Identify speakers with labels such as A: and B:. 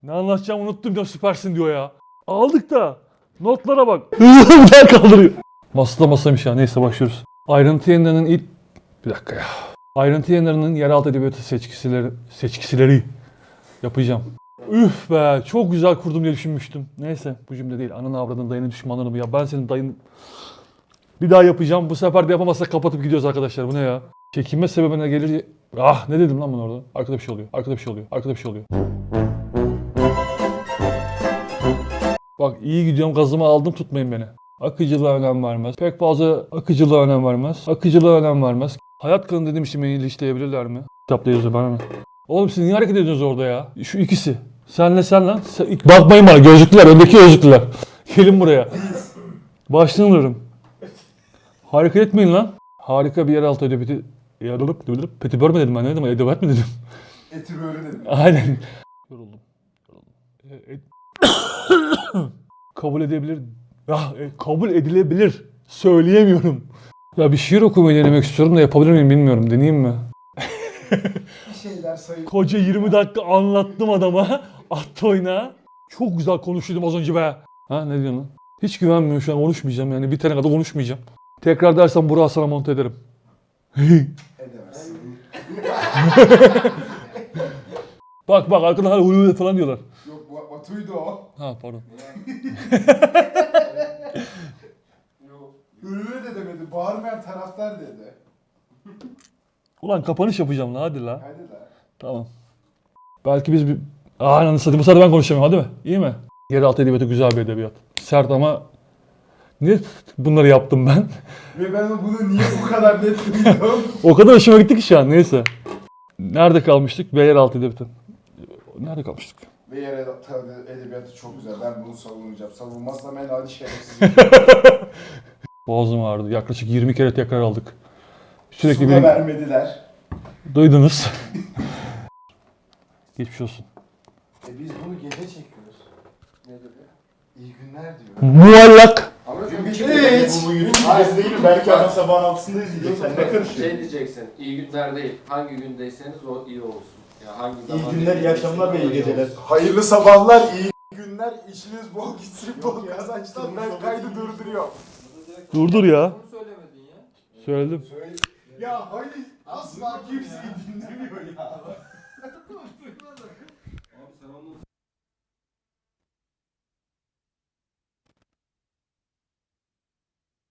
A: Ne anlatacağımı unuttum ya, süpersin diyor ya. Aldık da. Notlara bak. Hızlı kaldırıyor. Masada masaymış ya. Neyse başlıyoruz. Ayrıntı yayınlarının ilk... Bir dakika ya. Ayrıntı yayınlarının yeraltı edebiyatı seçkisileri yapacağım. Üf be, çok güzel kurdum diye düşünmüştüm. Neyse, bu cümle değil. Ananı avradın, dayının düşmanlarını ya. Ben senin dayın... Bir daha yapacağım. Bu sefer de yapamazsak kapatıp gidiyoruz arkadaşlar. Bu ne ya? Çekinme sebebine gelir... Ah, ne dedim lan ben orada? Arkada bir şey oluyor. Arkada bir şey oluyor. Arkada bir şey oluyor. Bak iyi gidiyorum, gazımı aldım, tutmayın beni. Akıcılığa önem vermez. Pek fazla akıcılığa önem vermez. Akıcılığa önem vermez. Hayat kanı dediğim işi beni iliştirebilirler mi? Kitapta yazıyor bana mı? Oğlum siz niye hareket ediyorsunuz orada ya? Şu ikisi. Senle sen lan. Bakmayın bana, gözlüklüler, öndeki gözlüklüler. Gelin buraya. Başlığını alırım. Hareket etmeyin lan. Harika bir yeraltı edebiyatı... Petibör mü dedim ben, ne dedim? Edebiyat mı dedim?
B: Eti böyle dedim.
A: Aynen. Yoruldum. Kabul edebilir. Kabul edilebilir. Söyleyemiyorum. Ya bir şiir okumayı denemek istiyorum da yapabilir miyim bilmiyorum. Deneyeyim mi?
B: Bir şeyler sayın.
A: Koca 20 dakika anlattım adama. Attı oyuna. Çok güzel konuşuyordum az önce be. Ha ne diyorsun lan? Hiç güvenmiyorum şu an, konuşmayacağım yani. Bitene kadar konuşmayacağım. Tekrar dersem Burak'a sana monte ederim.
B: Edemezsin.
A: Bak arkadan hala uyuyor falan diyorlar.
B: Yok Batu'ydu o.
A: Ha pardon.
B: Ürünü de demedi. Bağırmayan taraftar dedi.
A: Ulan kapanış yapacağım la, hadi la.
B: Hadi de.
A: Tamam. Belki biz bir... Ananı satayım, bu sefer ben konuşamıyorum, hadi mi? İyi mi? Yeraltı edebiyatı güzel bir edebiyat. Sert ama... Niye bunları yaptım ben?
B: Ve ben bunu niye bu kadar net duydum?
A: O kadar hoşuma gitti ki şu an, neyse. Nerede kalmıştık? Ve yeraltı edebiyatı. Nerede kalmıştık?
B: Ve yer edebiyatı çok güzel. Ben bunu savunacağım. Savunmazsam en adi şerefsiz.
A: Boğazım ağrıdı. Yaklaşık 20 kere tekrar aldık. Sürekli
B: Su da
A: bir...
B: vermediler.
A: Duydunuz. Geçmiş olsun.
B: Biz bunu gece çekiyoruz. Ne dedi? İyi günler diyor.
A: Muallak.
C: Ama
B: Hiç.
C: bugün Hayır değil mi? Belki adam sabahın altısında izleyecek. Sen ne karışıyorsun?
D: şey diyeceksin, iyi günler değil, hangi gündeyseniz o iyi olsun. Ya hangi
C: İyi
D: zaman
C: günler, iyi akşamlar ve iyi geceler.
B: Hayırlı sabahlar, iyi günler, işiniz bol gitsin, bol
C: Yok ya,
B: kazançlar.
C: durmuş
B: Ben
C: olabilir.
B: kaydı durduruyor.
A: Durdur ya.
D: Bunu söylemedin ya.
A: Söyledim.
B: Ya hayır, asla kimseyi dinlemiyor ya.
D: Abi sen onu